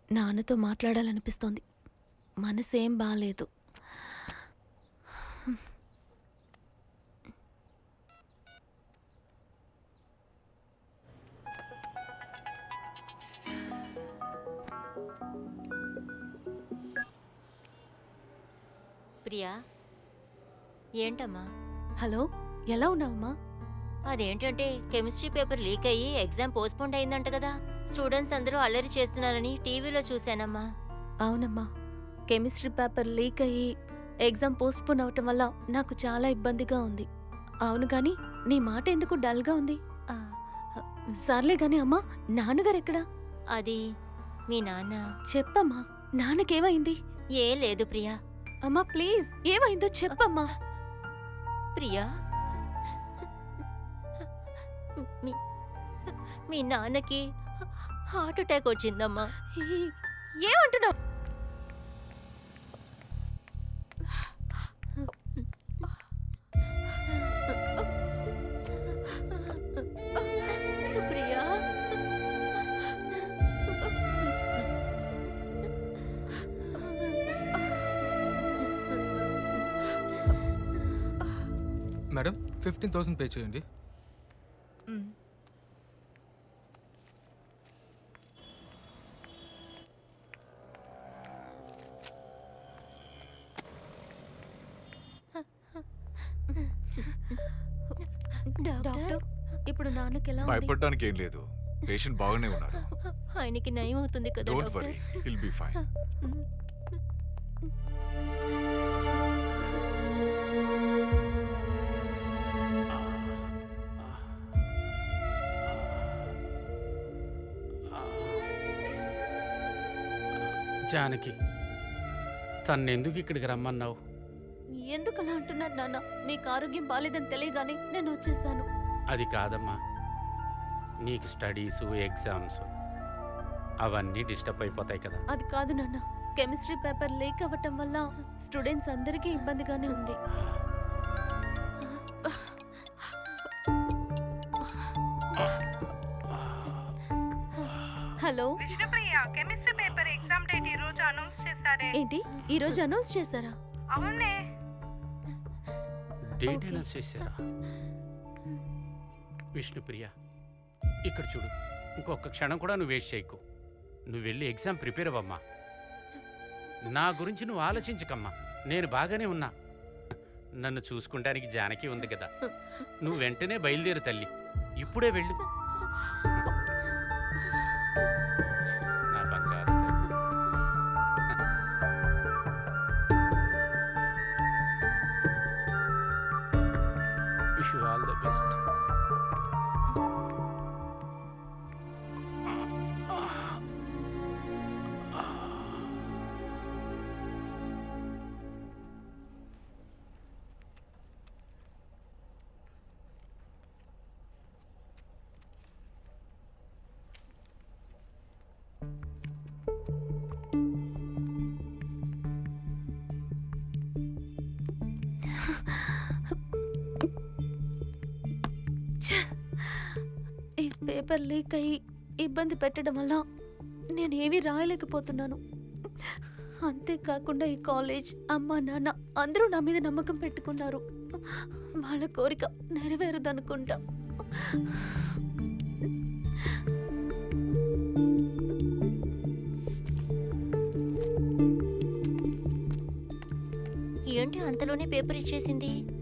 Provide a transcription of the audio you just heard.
నాన్నతో మాట్లాడాలనిపిస్తోంది. మనసేం బాలేదు. ప్రియా, ఏంటమ్మా? హలో, ఎలా ఉన్నావమ్మా? అదేంటంటే కెమిస్ట్రీ పేపర్ లీక్ అయ్యి ఎగ్జామ్ పోస్ట్పోండ్ అయిందంట కదా. స్టూడెంట్స్ అందరూ అల్లరి చేస్తున్నారని టీవీలో చూశానమ్మా. అవునమ్మా, కెమిస్ట్రీ పేపర్ లీక్ అయ్యి ఎగ్జామ్ పోస్ట్పోన్ అవటం వల్ల నాకు చాలా ఇబ్బందిగా ఉంది. అవును గాని నీ మాట ఎందుకు డల్గా ఉంది? ఆ, సర్లే గాని అమ్మా, నాన్నగారు ఎక్కడా? అది మీ నాన్న. చెప్పమ్మా, నాన్నకేమైంది? ఏం లేదు ప్రియా. అమ్మా ప్లీజ్, ఏమైందో చెప్పమ్మా. ప్రియా, మీ నాన్నకి హార్ట్ అటాక్ వచ్చిందమ్మా. ఏమంటున్నావు? ప్రియా, మేడం 15,000 పే చేయండి. డాక్టర్, ఇప్పుడు నాన్నకి ఎలా ఉంది? భయపడడానికి ఏం లేదు. పేషెంట్ బాగానే ఉన్నారు. ఆయనకి నయం అవుతుంది కదా don't doctor? Worry, will be fine. Janaki, తన్నెందుకు ఇక్కడికి రమ్మన్నావు? ఎందుకు అలా అంటున్నారు నాన్న? మీకు ఆరోగ్యం బాలేదని తెలియగానే నేను వచ్చేసాను. అది కాదమ్మా, నీకు స్టడీసు ఎగ్జామ్స్ అవన్నీ డిస్టర్బ్ అయిపోతాయి కదా. అది కాదు నాన్న, కెమిస్ట్రీ పేపర్ లీక్ అవ్వటం వల్ల స్టూడెంట్స్ అందరికీ ఇబ్బందిగానే ఉంది. Hello Vishnupriya, chemistry paper exam date ఈ రోజు అనౌన్స్ చేశారే. ఏంటి, ఈ రోజు అనౌన్స్ చేశారా? అవునే. డేట్ అనౌన్స్ చేశారా? విష్ణుప్రియ, ఇక్కడ చూడు, ఇంకొక క్షణం కూడా నువ్వు వేస్ట్ చేయకు. నువ్వు వెళ్ళి ఎగ్జామ్ ప్రిపేర్ అవ్వమ్మా. నా గురించి నువ్వు ఆలోచించకమ్మా, నేను బాగానే ఉన్నా. నన్ను చూసుకుంటానికి జానకి ఉంది కదా. నువ్వు వెంటనే బయలుదేరు తల్లి, ఇప్పుడే వెళ్ళు. నా బంగారు తల్లి. Wish you all the best. ఈ పేపర్ లీక్ అయ్యి ఇబ్బంది పెట్టడం వల్ల నేను ఏమీ రాయలేకపోతున్నాను. అంతేకాకుండా ఈ కాలేజ్, అమ్మ నాన్న అందరూ నా మీద నమ్మకం పెట్టుకున్నారు. వాళ్ళ కోరిక నెరవేరదనుకుంటా. ఏంటి అంతలోనే పేపర్ ఇచ్చేసింది?